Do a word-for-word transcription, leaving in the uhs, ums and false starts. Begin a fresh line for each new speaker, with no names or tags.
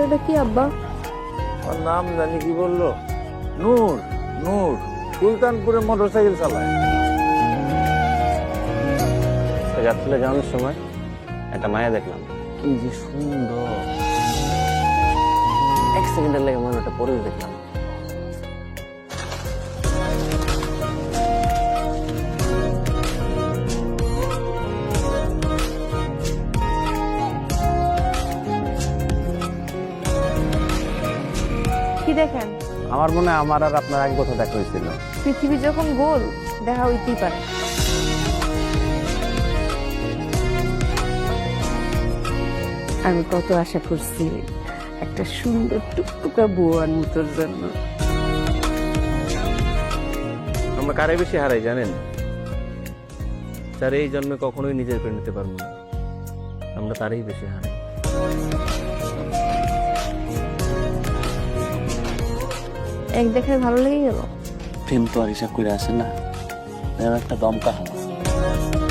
ছেলেটা কি আব্বা?
ওর নাম জানি কি বললো, নূর। নূর সুলতানপুরে মোটরসাইকেল চালায়।
যাত্রীরা যাওয়ানোর সময় একটা মায়া দেখলাম, কি যে সুন্দর। এক সেকেন্ডের লেগে মনে একটা পরে দেখলাম।
কি দেখেন?
আমার মনে হয় আমার আর আপনার আগে কোথাও দেখা হয়েছিল।
পৃথিবী যখন গোল, দেখা হইতেই পারে।
আমি কত আশা করছি একটা সুন্দর টুকটুকা বউ আনবো তোর জন্য।
আমরা কারে বেশি হারাই জানেন? যার এই জন্মে কখনোই নিজের করে নিতে পারবো না, আমরা তারই বেশি হারাই।
এক দেখায় ভালো লেগে গেল।
প্রেম তো আর হিসাব করে আসে না, একটা দমকা হাওয়া।